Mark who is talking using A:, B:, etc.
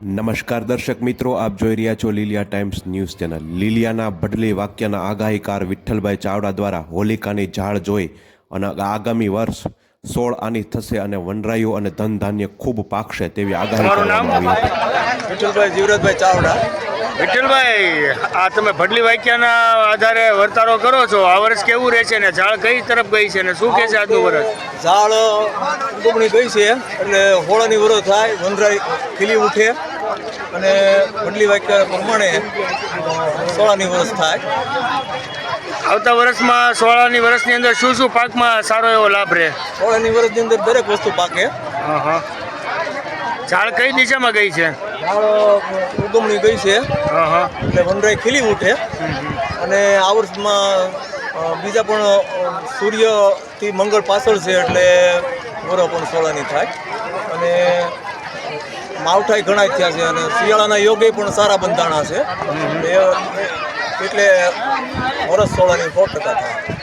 A: નમસ્કાર દર્શક મિત્રો, આપ જોઈ રહ્યા છો લીલિયા ટાઈમ્સ ન્યૂઝ ચેનલ. લીલિયાના ભડલી વાક્યના આગાહીકાર વિઠ્ઠલભાઈ ચાવડા દ્વારા હોલિકાની ઝાડ જોઈ અને આગામી વર્ષ 16 આની થશે અને વનરાયું અને ધન ધાન્ય ખૂબ પાકશે તેવી આગાહી કરવામાં આવી હતી.
B: વિઠ્ઠલભાઈ જીવરાજભાઈ ચાવડા.
C: વિઠ્ઠલભાઈ, આ તમે ભડલી વાક્યના આધારે વર્તારો કરો છો. આ વર્ષ કેવું રહેશે ને ઝાડ કઈ તરફ ગઈ છે ને શું કહે છે આજનું વર્ષ?
B: ઝાડ ઉગમણી ગઈ છે એટલે હોળાની વરસ થાય, વનરાઈ ખીલી ઉઠે અને ભડલી વાક્ય પ્રમાણે 16ની વરસ થાય.
C: આવતા વર્ષમાં 16ની વર્ષની અંદર શું શું પાકમાં સારો એવો લાભ રહે?
B: 16ની વરસની અંદર દરેક વસ્તુ પાકે.
C: ઝાડ કઈ દિશામાં ગઈ છે?
B: ઝાડ ઉગમણી ગઈ છે એટલે વનરાઈ ખીલી ઉઠે અને આ વર્ષમાં બીજા પણ સૂર્યથી મંગળ પાછળ છે એટલે વરો પણ 16ની થાય અને માવઠાઈ ઘણા થયા છે અને શિયાળાના યોગે પણ સારા બંધાણા છે એટલે વરસ 16ની 100% થાય.